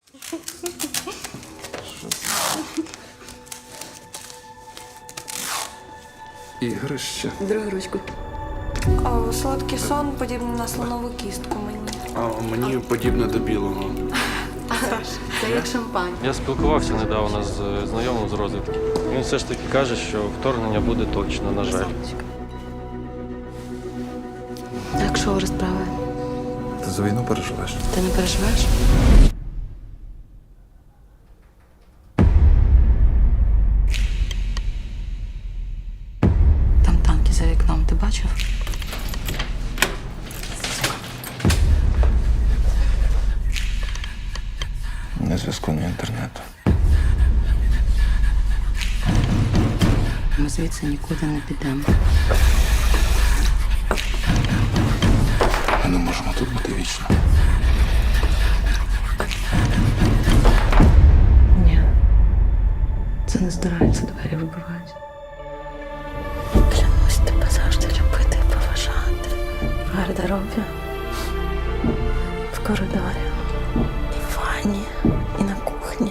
Ігрище. Другу ручку. Солодкий сон подібний на слонову кістку мені. А мені подібне до білого. Це як шампань. Я спілкувався недавно з знайомим з розвідки. Він все ж таки каже, що вторгнення буде точно, на жаль. Так, що розправи? Ти за війну переживеш? Ти не переживаєш? Там танки за вікном, ти бачив? Ні зв'язку, ні інтернету. Ми звідси нікуди не підемо. Ми не можемо тут бути вічно. Ні. Це не здирається, двері вибивають. Клянусь тебе завжди любити і поважати. В гардеробі, в коридорі, і в ванні, і на кухні.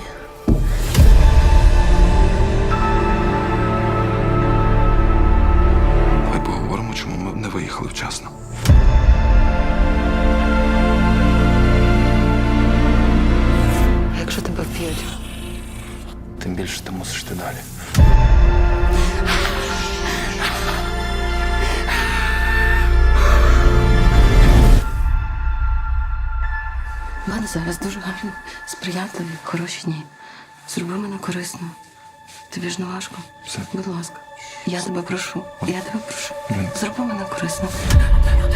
Давай поговоримо, чому ми не виїхали вчасно. А якщо тебе вб'ють? Тим більше ти мусиш йти далі. У мене зараз дуже гарні, сприятливі, хороші дні. Зроби мене корисно. Тобі ж не важко. Все. Будь ласка. Я тебе прошу. Я тебе прошу. Блін. Зроби мене корисно.